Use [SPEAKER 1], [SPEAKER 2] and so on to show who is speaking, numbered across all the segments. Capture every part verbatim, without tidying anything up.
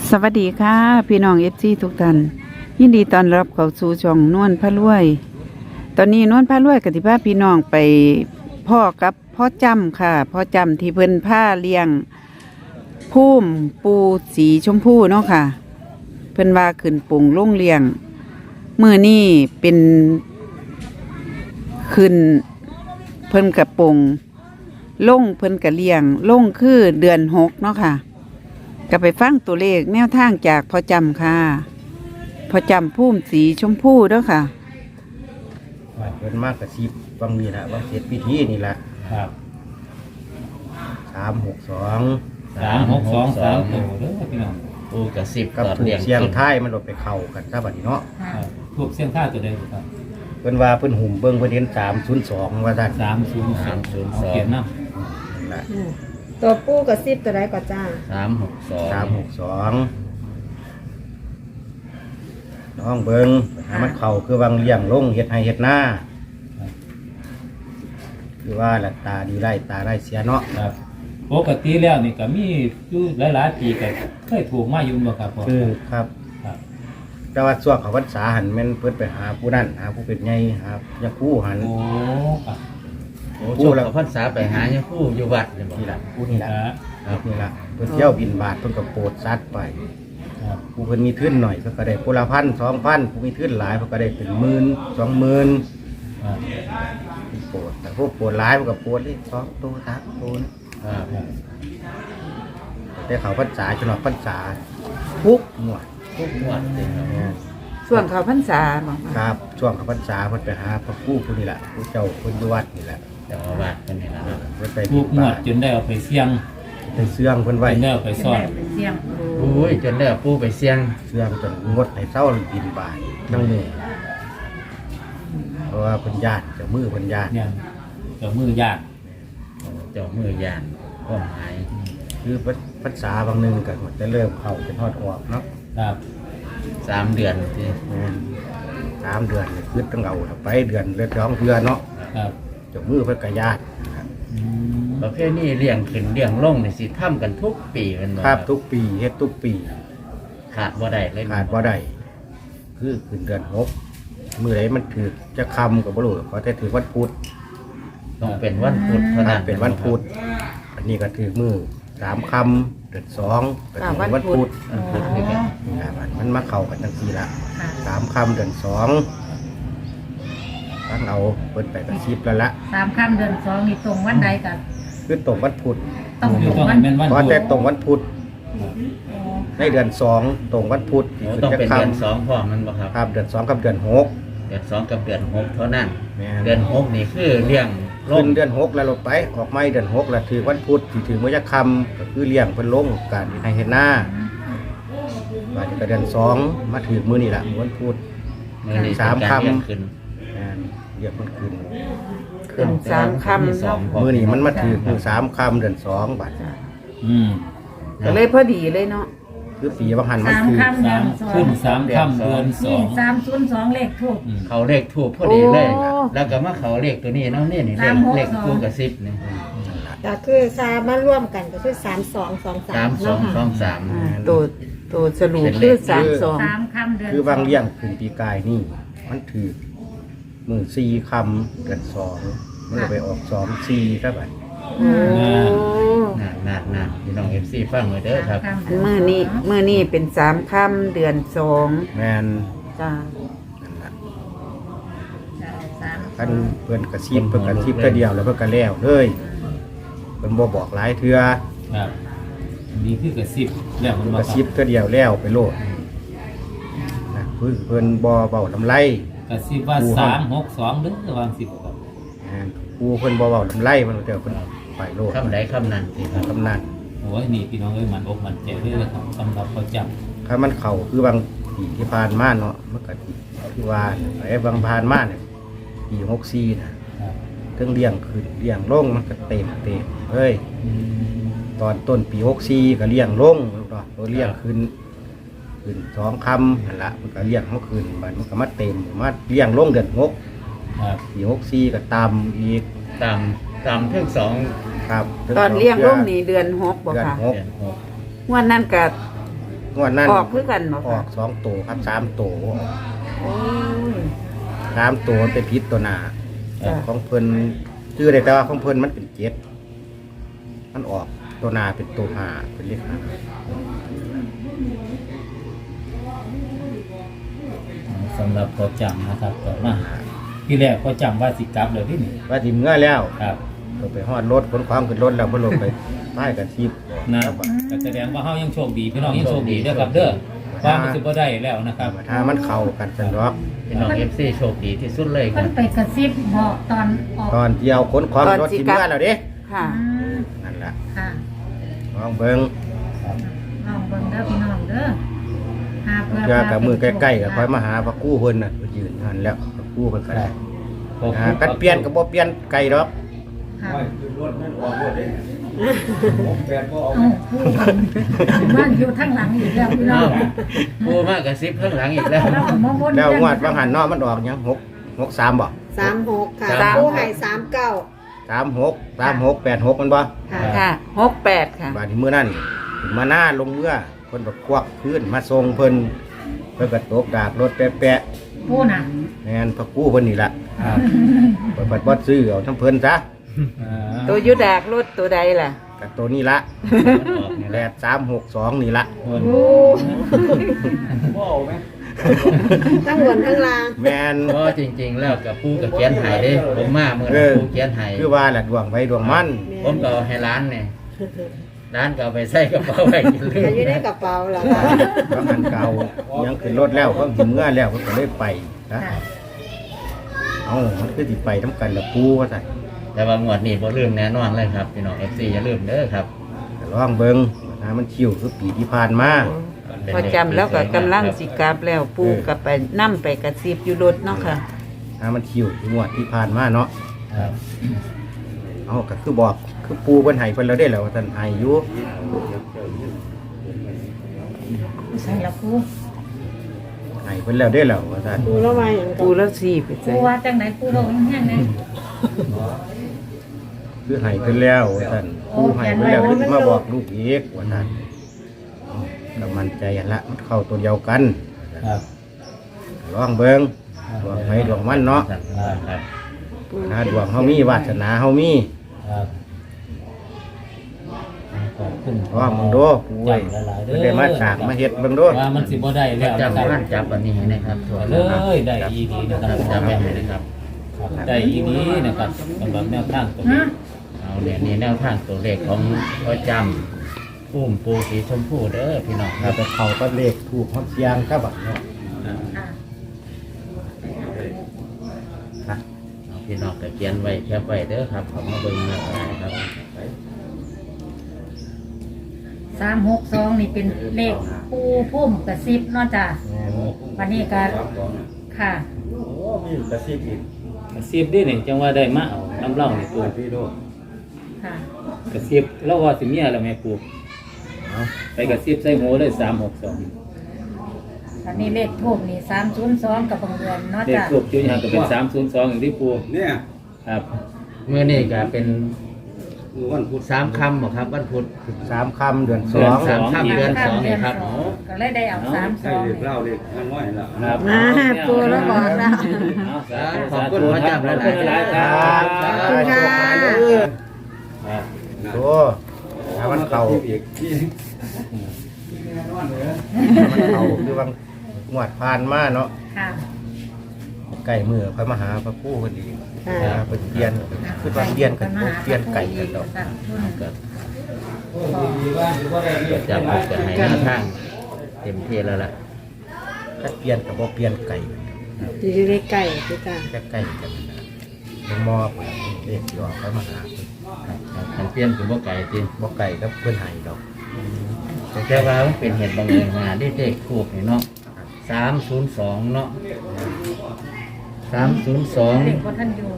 [SPEAKER 1] สวัสดีค่ะพี่น้องเอฟซีทุกท่านยินดีต้อนรับเข้าสู่ช่องนวลพระรวย ตอนนี้นวลพระรวยกับที่พาพี่น้องไปพ่อกับพ่อจำค่ะพ่อจำที่เพิ่นผ้าเลี้ยงพุ่มปูสีชมพูเนาะค่ะ เพิ่นว่าขึ้นปุ่งลงเลี้ยงมือนี่เป็นขึ้นเพิ่นกับปุ่งลงเพิ่นกับเลี้ยงลงคือเดือนหกเนาะค่ะก็ไปฟังตัวเลขแนวทางจากพ่อจำค่ะพ่อจำพุ่มสีชมพูเด้อค่ะ
[SPEAKER 2] ว่าเพิ่นมากกระซิบวังนี้ละวังเสร็จพิธีนี่ละ
[SPEAKER 3] ครับ
[SPEAKER 2] สามหกสอง
[SPEAKER 3] สามหกสองสามตัวเด้อพี่น้อง
[SPEAKER 4] ปูกระสิบ
[SPEAKER 2] กับถูกเสียงท้ายมันลดไปเข่ากันซะบัดนี้เนาะ
[SPEAKER 3] ครับพวกเสียงท่าตัวใดครับ
[SPEAKER 2] เพิ่นว่าเพิ่นหุ่มเบิ่งเพิ่นเห็นสามศูนย์สองว่าซั่น
[SPEAKER 3] สามศูนย์สามศูนย์สองเขียนนะ
[SPEAKER 2] นั่นล่ะ
[SPEAKER 5] ตัวปู้กับซิบตัวใดก็จ้า
[SPEAKER 4] สามหกสอง
[SPEAKER 2] สามหกสองน้องเบิ่งให้มันเข่าคือวังเลี้ยงลงเฮ็ดให้เฮ็ดหน้าคือว่าละตาดีไร้ตาไร้เสียเนาะ
[SPEAKER 3] ครับปกติแล้วนี่ก็มีอยู่หลายๆปีก็เคยถูกมาอยู่บ่ครับพ่อ
[SPEAKER 2] คือครับ
[SPEAKER 3] ครับ
[SPEAKER 2] แต่ว่าช่วงเขาพรรษาหันแม่นเพิ่นไปหาผู้นั้นหาผู้เป็นใหญ่หายาคู่หัน
[SPEAKER 3] โอ้ครับ
[SPEAKER 4] โอ้ช่วงเขาพรรษาไปหาเนี่ยผู้อยู่วัดเนี่ยบอก
[SPEAKER 2] นี่ล่ะผู้นี่ล่ะ
[SPEAKER 3] ครับ
[SPEAKER 2] นี่ล่ะเพิ่นเที่ยวบินบาทเพิ่นก็โปรดสัตว์ไป
[SPEAKER 3] ครับ
[SPEAKER 2] ผู้เพิ่นมีทุนหน่อยเพิ่นก็ได้ผู้ละพันสองพันผู้มีทุนหลายเพิ่นก็ได้เป็นหมื่นสองหมื่น
[SPEAKER 3] ครับ
[SPEAKER 2] โปรดแต่พวกโปรดหลายเพิ่นก็โปรดเลยสองตัวสามตัวนะครับ แต่เขาพรรษาจนว่าพรรษาทุกหมวด
[SPEAKER 4] ทุกวัดเลยครับ
[SPEAKER 2] เนี่ย
[SPEAKER 1] ส่วนเขาพรรษาบอกว่า
[SPEAKER 2] ครับช่วงเขาพรรษาเพิ่นไปหาพระกู้ผู้นี่แหละผู้เจ้าเพิ่นอยู่วัดนี่แหละ
[SPEAKER 4] แต่ว่าวัดเป็นนี่นะครับ
[SPEAKER 2] เพิ่นไป
[SPEAKER 3] ถู
[SPEAKER 2] บิ
[SPEAKER 3] ก
[SPEAKER 2] น
[SPEAKER 3] หม
[SPEAKER 2] บา
[SPEAKER 3] ด
[SPEAKER 2] ท
[SPEAKER 3] จนได้เอาไปเสี่ยง
[SPEAKER 2] ไปเสื่องเพิ่น
[SPEAKER 3] จ
[SPEAKER 2] ไว้
[SPEAKER 3] นได้เอาไปซ่อน
[SPEAKER 5] เสียง
[SPEAKER 4] โอ้ยจนได้เอาปูไปเสี่ยง
[SPEAKER 2] เสื่องจนงดให้เศร้าบินบาททั้งมือเพราะว่าเพิ่นญาติเจ้ามือเพิ่นญาติ
[SPEAKER 3] เนี่ยเจ้ามือยาก
[SPEAKER 4] เจ้ามือยานก็หาย
[SPEAKER 2] คือพรรษาบางหนึงก็จะเริ่มเข้าเป็นทอดออกเนาะ
[SPEAKER 3] ครับ
[SPEAKER 4] สามเดือนที่
[SPEAKER 2] แม่นสามเดือนนี่คือต้องเอาไปเดือนเลือดร้องเดือนเนาะ
[SPEAKER 3] ครับ
[SPEAKER 2] เจ้ามือเพิ่นก็ญาติครับ
[SPEAKER 3] อืม
[SPEAKER 4] ประเภทนี้เลี้ยงขึ้นเลี้ยงลงนี่สิทำกันทุกปีเป็นบ่
[SPEAKER 2] ครับทุกปีเฮ็ดทุกปี
[SPEAKER 4] ขาดบ่ได้เลย
[SPEAKER 2] ขาดบ่ได้คือขึ้นเดือนหกมื้อใดมันถือจะคำก็บ่รู้ขอแต่ถือวันพุธ
[SPEAKER 4] ต้องเป็นวันพุธเท่านั้น
[SPEAKER 2] เป็นวันพุธอันนี้ก็ถือมือสามคำเดือนสองก็ถือวันพุธ
[SPEAKER 4] วันพุธคือกัน
[SPEAKER 2] อ่ามันมาเข้ากันจังซี่ละสามคำเดือนสองตั้งเอาเปิดไปกระชิบแล้วละ
[SPEAKER 5] สามค่ำเดือนสองนี่ตรงวันใดกัน
[SPEAKER 2] คือตรงวันพุธ
[SPEAKER 5] ต้อง
[SPEAKER 3] อยู่
[SPEAKER 5] ตรง
[SPEAKER 3] ต้อง
[SPEAKER 5] วัน
[SPEAKER 3] เป็นวัน
[SPEAKER 2] เพราะ
[SPEAKER 3] พุธ
[SPEAKER 2] แต่ตรงวันพุธในเดือนสองตรงวันพุธ
[SPEAKER 4] โอ้ต้องเป็นเดือนสองพอมันบ่ครับ
[SPEAKER 2] ครับเดือนสองกับเดือนหก
[SPEAKER 4] เดือนสองกับเดือนหกเท่านั้น
[SPEAKER 2] แม่
[SPEAKER 4] เดือนหกนี่คือเลี้ยงล
[SPEAKER 2] ขึ้
[SPEAKER 4] ง
[SPEAKER 2] นเดือนหกแล้วลงไปออกไม่เดือนหกแล้วถือวันพุธที่ถือมื้อจะคำก็คือเลี้ยงเพิ่นลงการให้เห็นหน้าว่าจะเดือนสองมาถือมื้อนี่แหละมื้อวันพุธ
[SPEAKER 4] มือนี่
[SPEAKER 2] สาม
[SPEAKER 4] เป็นการ
[SPEAKER 2] คำ
[SPEAKER 4] เลี้ยงขึ้น
[SPEAKER 2] แม่นเรียกมันขึ้น
[SPEAKER 1] ขึ้นสามคำ
[SPEAKER 4] สอง
[SPEAKER 1] เนาะ
[SPEAKER 2] มื้อนี้มันมาถือมือสามคำเดือนสองบาท
[SPEAKER 3] อืม
[SPEAKER 1] ก็เลยพอดีเลยเนาะ
[SPEAKER 2] คือปีบางหันมัน
[SPEAKER 5] สาม
[SPEAKER 2] คือ
[SPEAKER 5] ค่ำเดื
[SPEAKER 3] สา
[SPEAKER 5] อ
[SPEAKER 3] ม
[SPEAKER 5] นสอ
[SPEAKER 3] ขึ้
[SPEAKER 5] ง
[SPEAKER 3] นสามค่ำเดือนสอ
[SPEAKER 5] นี่
[SPEAKER 3] ง
[SPEAKER 5] สามศูนย์สองเลขถูก
[SPEAKER 3] อืม
[SPEAKER 4] เขาเลขถูกพอดีเลย แล้วก็มาเขาเลขตัวนี้เนาะนี่นี่เล
[SPEAKER 5] สา
[SPEAKER 4] ข
[SPEAKER 5] มหก
[SPEAKER 4] เลข
[SPEAKER 5] สอง
[SPEAKER 4] คู่กับสิบนี่
[SPEAKER 6] ก็คือสามมาร่วมกันก็คือสามสองสองสา
[SPEAKER 4] สาม มสองสองสาม
[SPEAKER 1] อ่าตัวตัวสรุปคือสามสอง
[SPEAKER 5] สามค่ำเดือน
[SPEAKER 2] คือบางเลี้ยงขึ้นปีกายนี่ มันถือมือสี่คำเดือนสองมันก็ไปออกสองสี่ครับบัด
[SPEAKER 1] โอ้
[SPEAKER 4] น่าน่าน่าพี่น้องเอฟซีฟังเลยเด้อครับ
[SPEAKER 5] สามค่ำ
[SPEAKER 1] มือนี้มือนี้เป็นสามค่ำเดือนสอง
[SPEAKER 2] แมน
[SPEAKER 1] จ้า
[SPEAKER 2] นั่นล่ะ
[SPEAKER 5] สาม
[SPEAKER 2] คันเพิ่นกระซิบเพิ่นกระซิบแค่เดียวแล้วเพิ่นก็แล้วเลยเพิ่นบ่บอกหลายเทื่อ
[SPEAKER 3] ครับมีคือกระซิบแล้วมัน
[SPEAKER 2] เพิ่น
[SPEAKER 3] มาก
[SPEAKER 2] ระซิบแค่เดียวแล้วไปโลดนะเพิ่นเพิ่นบ่เว้าลำไร
[SPEAKER 3] กระซิบว่าสามหกสองเด้อวางสิบครับ
[SPEAKER 2] แม่นผู้เพิ่นบ่เว้าลำไรมันเดี๋ยวเพิ่นไปโลด
[SPEAKER 4] คำใดคำนั้นสิครับ
[SPEAKER 2] กำนัน
[SPEAKER 3] โอ้ยนี่พี่น้องเอ้ยมันอกมันใจเลยนะครับสำหรับประจ
[SPEAKER 2] ถ้ามันเข้าคือบางปีที่ผ่านมาเนาะมันก็คือว่าไอ้บางผ่านมาเนี่ยปีหกสิบสี่น่ะ
[SPEAKER 3] ำครับ
[SPEAKER 2] เครื่องเลี้ยงขึ้นเลี้ยงลงมันก็เต็มเต็มเฮ้ย
[SPEAKER 3] อืม
[SPEAKER 2] ตอนต้นปีหกสี่ก็เลี้ยงลงเนาะตัวเลี้ยงขึ้นขึ้นสองคำนั่นละมันก็เลี้ยงเขาขึ้นบัดมันก็มาเต็มมาเลี้ยงลงเดือนหก
[SPEAKER 3] ครับ
[SPEAKER 2] ปีหกสี่ก็ตามอีก
[SPEAKER 4] ตามตามเท่งสอง
[SPEAKER 2] ครับ
[SPEAKER 1] ตอนเลี้ยงลูกนี่เดือนหกบ่
[SPEAKER 2] เดือน
[SPEAKER 1] ค่ะ
[SPEAKER 2] หก
[SPEAKER 4] เดือนหก
[SPEAKER 1] วันนั้นกับ
[SPEAKER 2] งวดนั้น
[SPEAKER 1] ออกคือกันบ่
[SPEAKER 2] อ
[SPEAKER 1] ค่ะ
[SPEAKER 2] อกสองตัวครับสามตัว
[SPEAKER 1] โอ้ย
[SPEAKER 2] สามตัวมันเป็นพิษตัวหนา
[SPEAKER 1] จ้ะ
[SPEAKER 2] ของเพิ่นชื่อได้แต่ว่าของเพิ่นมันเป็นเจ็ดมันออกตัวหนาเป็นตัวหาเป็นเลขหา
[SPEAKER 3] สำหรับพอจำนะครับต่อมาที่แรกพอจำว่าสิกลับเลยที่นี่
[SPEAKER 2] ว่าทีมเงื่อแล้ว
[SPEAKER 3] ครับ
[SPEAKER 2] เราไปฮอดรถขนความขึ้นรถแล้วเพิ่นลงไปป้ายกันทีบ
[SPEAKER 3] นะก็แสดงว่าเฮายังโชคดีพี่น้องยังโชคดีเด้อครับเด้อว่ามันสิบ่ได้แล้วนะครับ
[SPEAKER 2] ถ้ามันเข้ากันสันดอก
[SPEAKER 4] พี่น้องเอฟซีโชคดีที่สุดเลยค
[SPEAKER 5] เพิ่
[SPEAKER 4] รั
[SPEAKER 5] น
[SPEAKER 4] บ
[SPEAKER 5] ไปกระซิบบอกตอนออก
[SPEAKER 2] ตอนที่เอาขนความรถทีมเงื่อแล้วเด้
[SPEAKER 1] ค่ะ
[SPEAKER 5] อืม
[SPEAKER 2] นั่นล่ะ
[SPEAKER 5] ค่ะ
[SPEAKER 2] ลองเบิ่ง
[SPEAKER 5] ลองเบิ่งเด้อพี่น้องเด้อหาเพื่อ
[SPEAKER 2] เพื่อกับมือใกล้ๆก็ค่อยมาหาพระกู้เพิ่นน่ะไปยืนนั่นแล้วพระกู้เพิ่นก็ได้อ่ากันเปลี่ยนก็บ่เปลี่ยนไกลดอก
[SPEAKER 5] ค่ะเอ้าผู้มันอยู่ทั้งหลังอีกแล้วพี่น้อ
[SPEAKER 4] อ้าง วปูมากกระซิบข้างหลังอีกแล้ว
[SPEAKER 5] เราก็มาวน
[SPEAKER 2] แล้วงวดบางหันเนาะมันออกหยังหก หกสามบ่
[SPEAKER 6] สามหกค่ะ
[SPEAKER 1] สาม
[SPEAKER 6] ปูให้สามเก้า
[SPEAKER 2] สามหก สามหก แปดหกมันบ่
[SPEAKER 6] ค่ะ
[SPEAKER 1] ค่ะหกแปดค่ะ
[SPEAKER 2] บาดนี้มื้อนั้นขึ้นมาหน้าลงเมื่อเพิ่นก็ควักพื้นมาส่งเพิ่นเพิ่นก็ตกดากรถแปะ
[SPEAKER 5] ผู้น่ะ
[SPEAKER 2] ๆแม่นพระกู้เพิ่นนี่ล่ะ
[SPEAKER 3] ครับ
[SPEAKER 2] เพิ่นบ่ซื้อเอาทั้งเพิ่นซะ
[SPEAKER 3] อ่า
[SPEAKER 1] ตัวอยุดากรถตัวใดล่ะ
[SPEAKER 2] กับตัวนี้ละ
[SPEAKER 4] ออกนี่
[SPEAKER 2] แป
[SPEAKER 4] แหละ
[SPEAKER 2] ดสามหกสองนี่ละ
[SPEAKER 3] คน
[SPEAKER 6] โอ้ทั้งบนทั้งล่าง
[SPEAKER 2] แม่น
[SPEAKER 4] เพราะจริงๆแล้วกับปูกับเขียนไห้เด้ผมมาเมื่อ
[SPEAKER 2] เอ
[SPEAKER 4] นั้น
[SPEAKER 2] อ
[SPEAKER 4] ปูเขียนไห้
[SPEAKER 2] คือว่าแหละดวงไว้ดวงมัน
[SPEAKER 4] ผมก็เอาให้ร้านเนี่ยร้านก็เอาไปใส่กระเป๋าไว้กินเล
[SPEAKER 6] แต่
[SPEAKER 4] ย
[SPEAKER 6] อยู่ในกระเป๋าเหรอคะ
[SPEAKER 2] บางอันเก่ายังขึ้นรถแล้วเพิ่งถึงเมื่อแล้วเพิ่งก็เลยไปนะ
[SPEAKER 5] ค่ะ
[SPEAKER 2] เอ้ามันคือสิไปน้ำกันละปูว่าซั่น
[SPEAKER 4] แต่ว่างวดนี้บ่ลืมแน่นอนเลยครับพี่น้องเอฟซีอย่าลืมเด้อครับ
[SPEAKER 2] ก็ลองเบิ่งนะมันชิวคือปีที่ผ่านมา
[SPEAKER 1] พอจำแล้วก็กำลังสิกลับแล้วปูกับไปนั่ไปกระซิบอยู่รถเนาะค่ะ
[SPEAKER 2] นะมันชิวคืองวดที่ผ่านมาเนาะ
[SPEAKER 4] ครับ
[SPEAKER 2] เอ้าก็คือบอกคือปูเพิ่นให้เพิ่นแล้วได้แล้วว่าท่านให้อยู่
[SPEAKER 5] ใส่ละผู้
[SPEAKER 2] ให้เพิ่นแล้วได้แล้วว่าท่าน
[SPEAKER 6] ปูแล้วมาอย่างกั
[SPEAKER 1] ปู
[SPEAKER 6] บ
[SPEAKER 1] แล้วสี่ไปใส่
[SPEAKER 5] ผู้ว่าจังไหนผู้บอกแห้งๆเลย
[SPEAKER 2] คือให้เพิ่นแล้วว่าท่านปูให้เพิ่นแล้วเพิ่นมาบอกลูกอีกว่าท่านก็มั่นใจหั่นละมันเข้าตัวเดียวกัน
[SPEAKER 3] ครับ
[SPEAKER 2] ลองเบิ่งดวงไฟดวงมันเนาะ
[SPEAKER 4] ครับ
[SPEAKER 2] นะดวงเฮามีวาสนาเฮามี
[SPEAKER 3] ครับขอบคุณ
[SPEAKER 2] ลองเบิ่งดูปูเอ้ย
[SPEAKER 3] จำหลายๆเด้
[SPEAKER 2] เพิ่น
[SPEAKER 3] อ
[SPEAKER 2] ได้มาจากมาเฮ็ดเบิ่งดู
[SPEAKER 3] ว่ามันสิบ่ได้แล้วนะ
[SPEAKER 4] จำ
[SPEAKER 3] ครับ
[SPEAKER 4] ร้านจับอันนี้ให้นะครับถั่ว
[SPEAKER 3] เลยได้อีดีนะครับ
[SPEAKER 4] จำไว้ให้นะครับ
[SPEAKER 3] ครับได้อีดีนะครับสำหรับแนวทางตรง
[SPEAKER 5] ฮะ
[SPEAKER 3] นี้
[SPEAKER 4] เอาเนี่ยนี่แนวทางตัวเลขของพ่อจำพุ่มปูสีชมพูเด้อพี่น้องค
[SPEAKER 2] ถ้า
[SPEAKER 4] รับ
[SPEAKER 2] ไปเข้าก็เลขถูกฮอดเสียงครับบัดเนาะ
[SPEAKER 3] อ่า
[SPEAKER 5] ค่ะ
[SPEAKER 2] นะ
[SPEAKER 4] เอาพี่น้องก็เขียนไว้แคปไว้เด้อครับขอมาเบิ่งนะครับ
[SPEAKER 5] สามหกสองนี่เป็นเลขปูพุ่มกระซิบเนาะจ้ะ
[SPEAKER 2] แม่น
[SPEAKER 5] วันนี้ก็ค่ะ
[SPEAKER 2] โอ้มีกระซิบอีก
[SPEAKER 3] กระซิบดินี่จังว่าได้มาเอาน้ำเล่านี่ปู
[SPEAKER 2] พี่ดู
[SPEAKER 5] ค่ะ
[SPEAKER 3] กระซิบแล้วว่าสิเมียแล้วแม่ปู
[SPEAKER 2] เอา
[SPEAKER 3] ไปกระซิบใส่หูเลยสามหกสอง
[SPEAKER 5] วันนี้เลขทูบนี่สามศูนย์สองกับบังเดือนเนาะ
[SPEAKER 3] เลข
[SPEAKER 5] จ้ะ
[SPEAKER 3] ทูบจุดยางก็เป็นสามศูนย์สองอย่างที่ปู
[SPEAKER 7] เนี่ย
[SPEAKER 3] ครับ
[SPEAKER 4] เมื่อนี้ก็เป็น
[SPEAKER 7] วันพุธ
[SPEAKER 4] สามคำบ่ครับวันพุธ
[SPEAKER 2] สามคำเดือนส
[SPEAKER 4] เดื
[SPEAKER 2] อ
[SPEAKER 4] อน
[SPEAKER 2] ง
[SPEAKER 4] สามค่ำเดือนสองนี่ครับ
[SPEAKER 5] เดือนสองก็เลยได้เอาสามส
[SPEAKER 7] ใช่
[SPEAKER 5] อง
[SPEAKER 7] เล็กเล่าเล็กน้อยละ
[SPEAKER 3] ครับ
[SPEAKER 6] อ่าปูแล้วบอกแล้ว
[SPEAKER 3] เอาสาธุ
[SPEAKER 4] ขอบคุณ
[SPEAKER 3] สาธุ
[SPEAKER 4] พระเจ้าหลายๆ
[SPEAKER 3] ขอบคุณหลายๆครับ
[SPEAKER 6] ขอบคุณค่ะ
[SPEAKER 3] ครับ
[SPEAKER 2] โอ้ถ้ามันเข่า
[SPEAKER 7] อีกที่
[SPEAKER 2] มันเข่าคือว่างวดผ่านมาเนาะ
[SPEAKER 5] ค่ะ
[SPEAKER 2] ไก่มือค่อยมาหาพระผู้พอดี
[SPEAKER 6] ค่ะ
[SPEAKER 2] นะเป็นเปลี่ยนคือว่าเปลี่ยนกันบ่เปลี่ยนไก่กันดอก
[SPEAKER 4] ก็ก็จะพูดกันให้หน้าทางเต็มที่แล้วล่ะ
[SPEAKER 2] ถ้าเปลี่ยนกับบ่เปลี่ยนไก่กัน
[SPEAKER 6] อยู่ในไก่พี่จ้า
[SPEAKER 2] แค่ไก่กันนะลงมอบเด็กยอค่อยมาหา
[SPEAKER 4] มันเปลี่ยนคือบ่ไก่จริง
[SPEAKER 2] บ่ไก่กับเพื่อนไห้ดอก
[SPEAKER 4] แต่ว่ามันเป็นเหตุบังเอิญมาได้เลขทูบนี่เนาะสามศูนย์สองเนาะสามศูนย์สอง
[SPEAKER 5] เลขพระท่านอยู่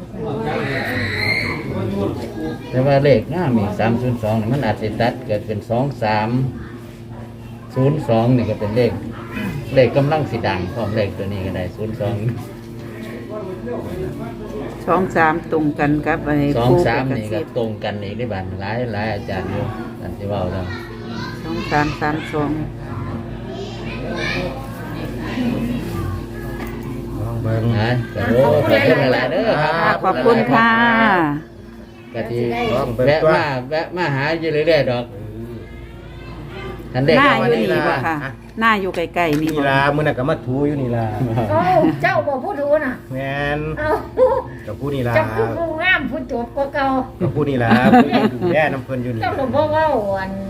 [SPEAKER 4] แต่ว่าเลขหน้ามีสามศูนย์สองมันอาจจะตัดเกิดเป็นสองสามศูนย์สองนี่ก็เป็นเลข เลขกำลังสีดังพร้อมเลขตัวนี้ก็ได้ศูนย์สอง
[SPEAKER 1] สองสามตรงกันครับไอ้
[SPEAKER 4] สอง
[SPEAKER 1] ปู
[SPEAKER 4] สาม
[SPEAKER 1] กับกระ
[SPEAKER 4] นี่ก็
[SPEAKER 1] ซิบ
[SPEAKER 4] ตรงกันอีกได้บ้านหลายหลายอาจารย์อยู่อันที่เว่าแล้ว
[SPEAKER 1] สองสามสามสอง
[SPEAKER 2] คลองเบิ่ง
[SPEAKER 4] นะก็โอ้ขอบคุณหลายๆเด้อครับ
[SPEAKER 1] ค่ะขอบคุณค่ะ
[SPEAKER 4] กะทิ
[SPEAKER 2] ลองเบิ่ง
[SPEAKER 4] แวะ
[SPEAKER 2] ตัว
[SPEAKER 4] มาแวะมาหาอยู่เรื่อยๆดอกทันเด็ก
[SPEAKER 1] หน้า
[SPEAKER 4] เอา
[SPEAKER 1] อ
[SPEAKER 4] วัน
[SPEAKER 1] ยู่
[SPEAKER 4] นี้
[SPEAKER 1] นี่
[SPEAKER 4] ละ
[SPEAKER 1] บ่ค่ะ หน้าอยู่ไกลๆนี่
[SPEAKER 2] นี่
[SPEAKER 1] บ่
[SPEAKER 2] ล่ะมื้อนั้นก็มาถูอยู่นี่ล่ะ
[SPEAKER 5] เอ้าเจ้าบอกผู้ดูน่ะ
[SPEAKER 2] แม่น
[SPEAKER 5] เอ้า
[SPEAKER 2] กับผู้นี่ล่ะ
[SPEAKER 5] เจ้าคือผู้งามผู้จบกว่าเก่า
[SPEAKER 2] กับผู้นี่ล่ะผู้ที่ดูแลน้ำเพิ่นอยู่นี่
[SPEAKER 5] เจ้าหลวงพ่อเว่าอัน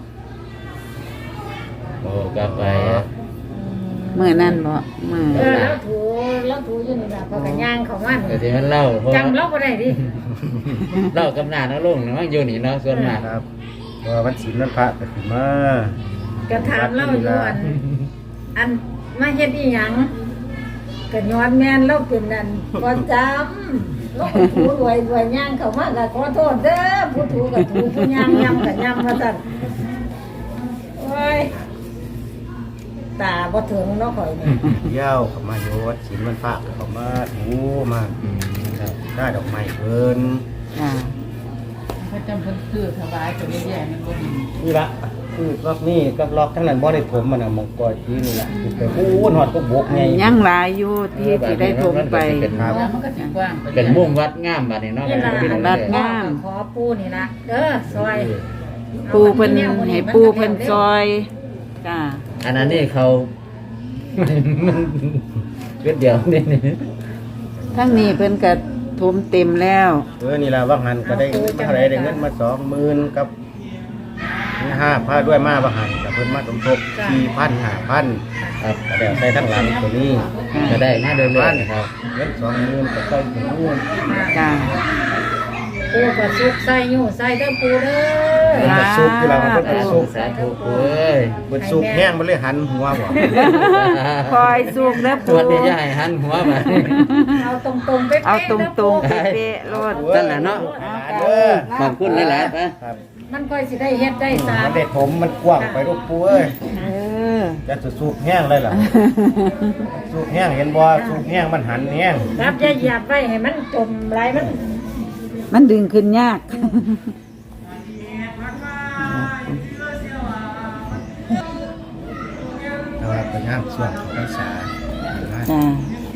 [SPEAKER 4] โอ้กลับไป
[SPEAKER 1] มื้อนั้นบ่มื้อ
[SPEAKER 5] เออแล้วถูแล้วถูอยู่นี่ล่ะพอกันย่างเขามัน
[SPEAKER 4] กะทิมันเล่าเพราะ
[SPEAKER 5] จำเราบ่ได้ดิ
[SPEAKER 4] เล่ากับหน้าน้าลุงนะมันอยู่นี่เนาะส่วนมาก
[SPEAKER 2] ครับเพราะว่าวันศีลวันพระก็สิมา
[SPEAKER 5] ก็ถามเราอยู่อัน อันมาเฮ็ดอีหยังก็ย้อนแม่นเราเป็นนั่นบ่จำเราก็ถูรวยรวยย่างเขามาก็ขอโทษเด้อผู้ถูก็ถูผู้ย่างย่ำก็ย่ำว่าซั่นโอ้ยตาบ่ถึงเนาะข่อยนี่
[SPEAKER 2] เที่ยวเข้ามาโยวัดศีลวันพระก็เข้ามาถูมา
[SPEAKER 4] อืมครับ
[SPEAKER 2] ได้ดอกไม้เพิ่น
[SPEAKER 1] ค่ะ
[SPEAKER 8] พระจำเพิ่นคือถวายตัวแย่ๆมันบ่ดี
[SPEAKER 2] นี่ละคือรอบนี้กับรอบทั้งนั้นบ่ได้ถมมันน่ะมองกอยที่นี่ล่ะคือไปพูนฮอดก็บกไง
[SPEAKER 1] ยังหลายอยู่ที่ที่ได้ทมไป
[SPEAKER 8] เพราะว่ามันก็สิกว้างไป
[SPEAKER 4] เป็นมุ่งวัดงามบัดนี้เนาะ
[SPEAKER 5] นี่ล่ะ
[SPEAKER 4] พี่น้อง
[SPEAKER 1] วัด
[SPEAKER 4] เด้อง
[SPEAKER 1] าม
[SPEAKER 5] ขอปูนี่ล่ะเด้อซอย
[SPEAKER 1] ปูเพิ่นให้ปูเพิ่นซอยจ้า
[SPEAKER 4] อันนั้นนี่เขา มันเวทเดียวนี่นี่
[SPEAKER 1] ทั้งนี้เพิ่นก็ทมเต็มแล้ว
[SPEAKER 2] เออนี่ล่ะว่าหันก็ได้เงินมาเท่าไหร่ได้เงินมาสองหมื่นกับห้าพันด้วยมาว่าหันกับเพิ่นมาสมทบสี่พันห้าพัน
[SPEAKER 4] ครับ
[SPEAKER 2] ก็ได้ใส่ทั้งหลังตัวนี้
[SPEAKER 4] ก็ได้มาเรื่อยๆครับ
[SPEAKER 2] เงินสองหมื่นก็ใส่ถึงหมื่น
[SPEAKER 1] จ้า
[SPEAKER 5] ปูก็สุกใส่อยู่ใส่เด้อปูเด้อ
[SPEAKER 2] เพิ่นก็สุกอยู่แล้วมันเพิ่นก็สุก
[SPEAKER 4] สาธุเอ้ย
[SPEAKER 2] เพิ่นสุกแห้งมันเลยหันหัวบ่
[SPEAKER 1] คอยสุกแล้ว
[SPEAKER 4] ส
[SPEAKER 1] ปู
[SPEAKER 4] วัสดียายหันหัวมา
[SPEAKER 5] เอาตรงๆเป๊ะๆ
[SPEAKER 1] เอาต
[SPEAKER 5] ด้
[SPEAKER 1] รงๆ
[SPEAKER 5] ปู
[SPEAKER 1] เป๊ะๆโลด
[SPEAKER 4] นั่นแหละเนาะ
[SPEAKER 2] เด้อ
[SPEAKER 4] ขอบคุณหลายๆนะ
[SPEAKER 2] ครับ
[SPEAKER 5] มันค่อยสิได้เฮ็ดได้สา
[SPEAKER 2] มั
[SPEAKER 5] ม
[SPEAKER 2] นได้ถมมันกว้างไปลูกปูเอ้ย
[SPEAKER 1] เออ
[SPEAKER 2] จะสุกแห้งเลยล่ะสุกแห้งเห็นบ่สุกแห้งมันหันแห้ง
[SPEAKER 5] ครับอย่าเหยียบไว้ให้มันจมไหลมัน
[SPEAKER 1] มันดึงขึ้นยาก
[SPEAKER 2] แต่ว่าเป็นงานส่วนของภาษา
[SPEAKER 1] จ้า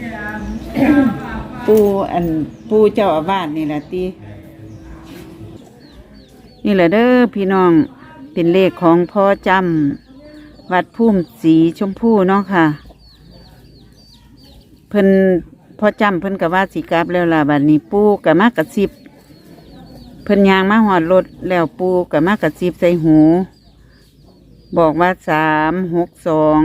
[SPEAKER 1] ปูอันปูเจ้าอาวาสนี่แหละตีนี่แหละเด้อพี่น้องเป็นเลขของพ่อจำวัดพุ่มสีชมพูเนาะค่ะ เพิ่นพ่อจำเพิ่นกับว่าสีกราบแล้วล่ะบัดนี้ปูกับมากระซิบเพิ่นยางมาหอดรถแล้วปูกับมากระซิบใส่หู บอกว่าสามหกสอง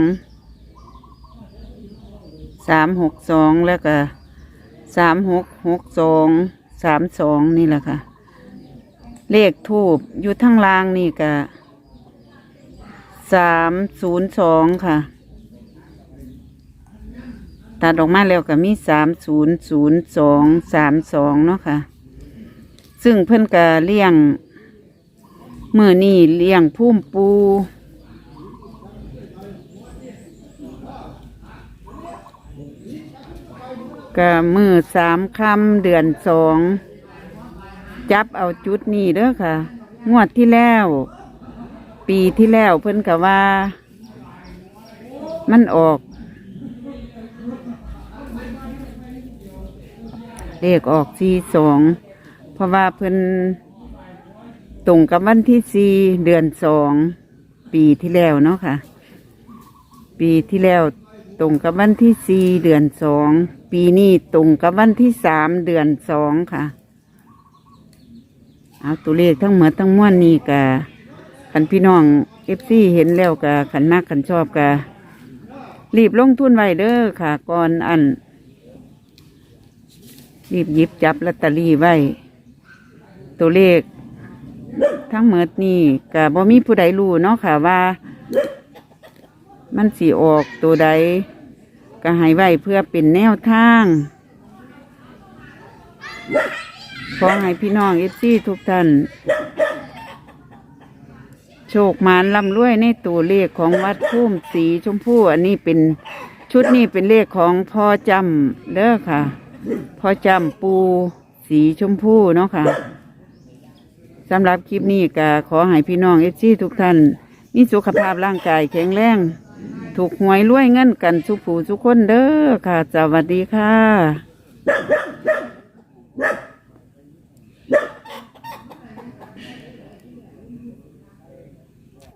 [SPEAKER 1] สามหกสองแล้วก็สามหกหกสองสามสองนี่แหละค่ะ เลขทูบอยู่ทั้งล่างนี่ก็สามศูนย์สองค่ะตัดออกมาแล้วก็มีสามศูนย์ศูนย์สองสามสองเนาะค่ะ ซึ่งเพิ่นก็เลี้ยงมือนี่เลี้ยงพุ่มปูก็มือสามคำเดือนสองจับเอาจุดนี้เด้อค่ะ งวดที่แล้ว ปีที่แล้วเพิ่นก็ว่า มันออก เลขออกสี่สองเพราะว่าเพิ่นตรงกับวันที่สี่เดือนสองปีที่แล้วเนาะค่ะ ปีที่แล้วตรงกับวันที่สี่เดือนสองปีนี้ตรงกับวันที่สามเดือนสองค่ะเอาตัวเลขทั้งหมดทั้งมวลนี่กะขันพี่น้องเอฟซีเห็นแล้วกะขันมากขันชอบกะรีบลงทุนไว้เด้อค่ะก่อนอันรีบหยิบจับลอตเตอรี่ไว้ตัวเลขทั้งหมดนี่กะบ่มีผู้ใดรู้เนาะค่ะว่า มันสีออกตัวใดก็ให้ไว้เพื่อเป็นแนวทางขอให้พี่น้องเอฟซีทุกท่านโชคมานร่ำรวยในตัวเลขของวัดพุ่มสีชมพูอันนี้เป็นชุดนี้เป็นเลขของพ่อจำเด้อค่ะพ่อจำปูสีชมพูเนาะค่ะสำหรับคลิปนี้ก็ขอให้พี่น้องเอฟซีทุกท่านมีสุขภาพร่างกายแข็งแรงถูกหวยรวยเงินกันสุผู้สุคนเด้อค่ะสวัสดีค่ะ